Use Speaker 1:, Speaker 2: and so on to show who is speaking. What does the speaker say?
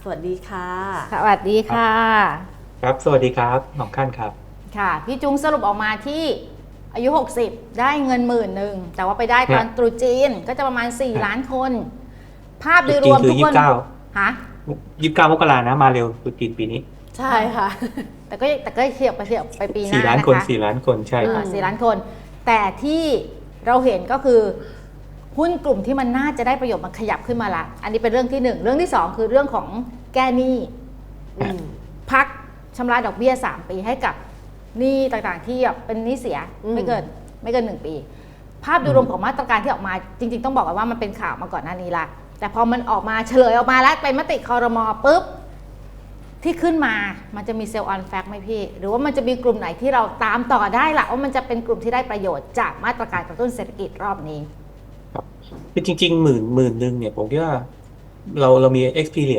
Speaker 1: สวัสดีค่ะ
Speaker 2: สวัสดีค่ะ
Speaker 3: ครับสวัสดีครับน้องขั้นครับ
Speaker 2: ค่ะพี่จุงสรุปออกมาที่อายุ 60ได้เงิน10,000แต่ว่าไปได้ตอน
Speaker 3: ฮะ
Speaker 2: ตรุษจีนก็จะประมาณ4 ล้านคน ภาพโดยร
Speaker 3: จริงๆคือ
Speaker 2: วมทุกคนฮะ
Speaker 3: 29 มกรานะมาเร็วตุจีนปีนี้
Speaker 1: ใช่ค่ะ
Speaker 2: แต่ก็เทียบไปปีหน้า
Speaker 3: 4 ล้าน
Speaker 2: นะ
Speaker 3: คน
Speaker 2: คะ
Speaker 3: 4 ล้านคนใช่ครับ
Speaker 2: 4 ล้านคน แต่ที่เราเห็นก็คือหุ้นกลุ่มที่มันน่าจะได้ประโยชน์มันขยับขึ้นมาละอันนี้เป็นเรื่องที่1เรื่องที่2คือเรื่องของแก้หนี้
Speaker 1: อืม
Speaker 2: พักชำระดอกเบี้ย3 ปีให้กับหนี้ต่างๆที่แบบเป็นหนี้เสีย
Speaker 1: อืม
Speaker 2: ไม่เกิน1 ปี ภาพโดยรวมของมาตรการที่ออกมาจริงๆต้องบอกกันว่ามันเป็นข่าวมาก่อนหน้านี้ละแต่พอมันออกมาเฉลยออกมาแล้วไปมติครม.ปุ๊บที่ขึ้นมามันจะมีเซลล์ออนแฟกไหมพี่หรือว่ามันจะมีกลุ่มไหนที่เราตามต่อได้ล่ะว่ามันจะเป็นกลุ่มที่ได้ประโยชน์จากมาตรการกระตุ้นเศรษฐกิจรอบนี้
Speaker 3: คือจริงๆหมื่นหนึ่งเนี่ยผมคิดว่าเรามี experience